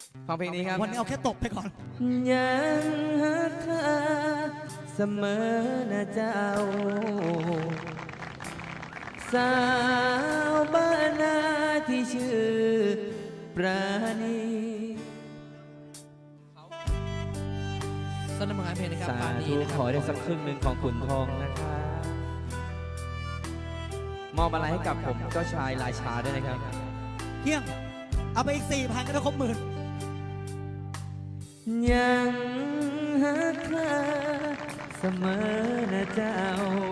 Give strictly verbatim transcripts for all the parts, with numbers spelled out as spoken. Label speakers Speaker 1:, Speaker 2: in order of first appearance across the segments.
Speaker 1: ฟังเพลงนี้ครับ
Speaker 2: วันนี้เอาแค่ตบไปก่อน
Speaker 1: ยังหักเธอเสมอนะเจ้าสาวบ้านนาที่ชื่อปราณี
Speaker 3: สนับสนุนเพลงนะครับ
Speaker 1: สา
Speaker 3: ปานี
Speaker 1: ธุ
Speaker 3: นะครับ
Speaker 1: ขอได้สักครึ่งหนึ่งของขุนทองนะครับมอบอะไรให้กับผมเจ้าชายราชาด้วยนะครับ
Speaker 2: เที่ยงเอาไปอีกสี่พันก็ได้ครบหมื่น
Speaker 1: ยังหักเธอเสมอนะเจ้า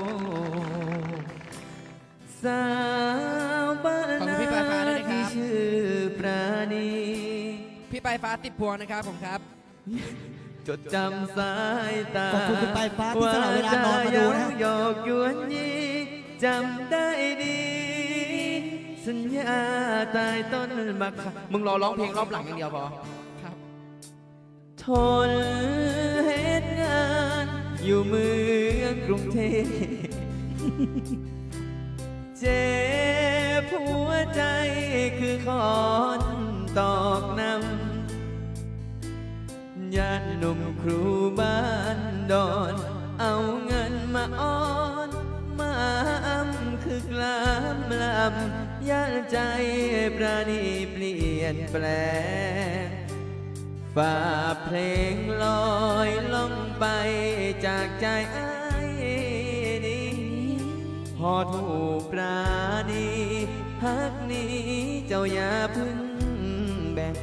Speaker 1: สาวบ้านนาที่ชื่อปราณี
Speaker 3: พี่ปลายฟ้าติดพวงนะครับผมครับ
Speaker 1: จดจำสายตา
Speaker 2: ขอบคุณคุณปลายฟ้าที่สละเวลานอนมาดูนะ
Speaker 1: หยอกยวนยีจำได้ดี สัญญาตายต้นบักมึงรอร้องเพลงรอบหลังอย่างเดียวพอ
Speaker 3: ครับ
Speaker 1: ทนเหตุงานอยู่เมืองกรุงเทพเจ็บหัวใจคือคอนตอกนำญาติหนุ่มครูบ้านดอน เอาเงินมาอ้อนมาอ้ำคือกลามลำย่านใจปราณีเปลี่ยนแปลงฝ่าเพลงลอยล่องไปจากใจอ้ายนี้พอถูกปราณีฮักนี้เจ้าอย่าพึ่งแบ่ง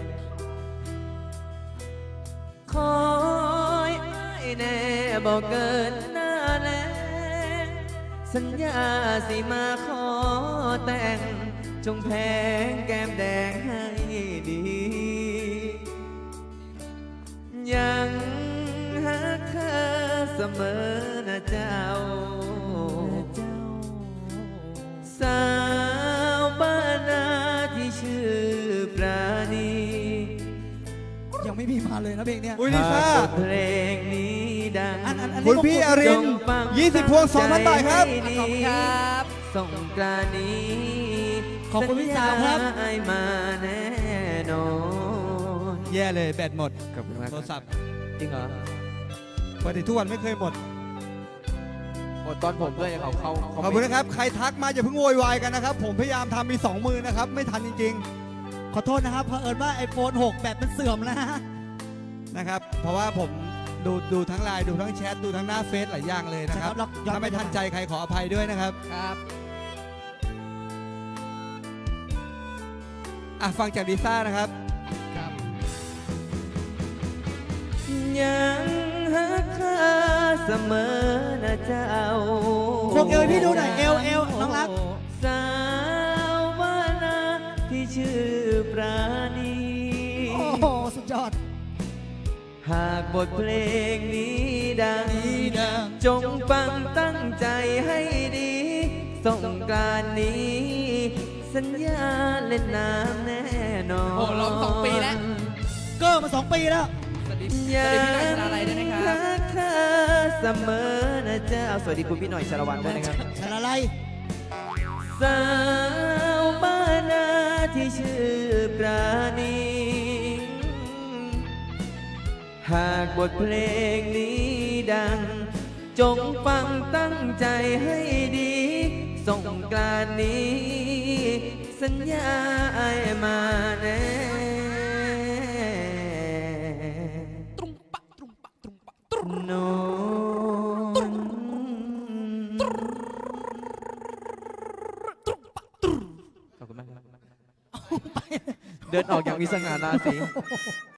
Speaker 1: คอยอ้ายแน่บอกเกินหน้าแลงสัญญาสิมาขอแต่งจงแพงแก้มแดงให้ดี ยังหักเธอเสมอนะเจ้า สาวบ้านนาที่ชื่อปราณี
Speaker 2: ยังไม่มีมาเลยนะเพลงเนี้ย
Speaker 4: อุ้ยลิซ่า
Speaker 1: หากเพลงนี้ดัง
Speaker 2: อันอันอันนี้
Speaker 4: คุณพี่อริน
Speaker 1: จงฟัง
Speaker 4: ยี่สิบพวงสองพันบาทครับ
Speaker 1: ตั้งใจให้ดี
Speaker 3: ขอบคุณครับ
Speaker 1: ส่งกรานต์นี้
Speaker 2: ขอบคุณพี่สาวครับ
Speaker 1: สัญญให้มาแน่นอน
Speaker 4: แย่เลยแบตหมด
Speaker 1: ขอบคุณมาก
Speaker 4: โทรศัพท์
Speaker 1: จริงเหรอ
Speaker 4: ปกติทุกวันไม่เคยหมด
Speaker 1: หมดตอนผมด้วยเขาเขาเขา
Speaker 4: ขอบคุณนะครับ ใครทักมาอย่าเพิ่งโวยวายกันนะครับ ผมพยายามทำมีสองมือนะครับ ไม่ทันจริง
Speaker 2: ขอโทษนะครับเผอิญว่า ไอโฟน หก แบตมันเสื่อมแล้วนะ
Speaker 4: ๆนะครับ เพราะว่าผมดูดูทั้งไลน์ดูทั้งแชทดูทั้งหน้าเฟซหลายอย่างเลยนะครับ
Speaker 2: ใช่ครับย้อน
Speaker 4: ถ้าไม่ทันใจใครขออภัยด้วยนะครับ
Speaker 3: ครับ
Speaker 4: อ่ะฟังจากลิซ่านะครับ
Speaker 3: ครับ
Speaker 1: ยังหักเธอเสมอนะเจ้า
Speaker 2: โคกเอวให้พี่ดูหน่อยเอวเอวน้องรัก
Speaker 1: สาวบ้านนาที่ชื่อปราณี
Speaker 2: โอ้โห สุดยอด
Speaker 1: หากบทเพลงนี้ดัง
Speaker 2: นี้ดัง
Speaker 1: จงฟังตั้งใจให้ดีส่งกรานต์นี้ สัญญาเล่นน้ำแน่นอน
Speaker 3: โอ้ร้องสองปีแล้ว
Speaker 2: เกิร์มาสองปีแล้ว
Speaker 3: สวัสดีส
Speaker 1: ยั
Speaker 3: วัสดีพี่หน่อยชนาลัยด้วยนะครับ
Speaker 1: รักเธอเสมอนะเจ้าสวัสดีคุณพี่หน่อยชาละวันด้วยนะครับ
Speaker 2: ชนะอะไร
Speaker 1: สาวบ้านนาที่ชื่อปราณี หากบทเพลงนี้ดัง จงฟังตั้งใจให้ดีส่งกรานต์นี้ สัญญาไอ้มาแน่
Speaker 3: ตรุงปะตรุงปะตรุงปะตรุง
Speaker 1: โนน ขอบคุณมากครับเดินออกอย่างมีสง่าราศี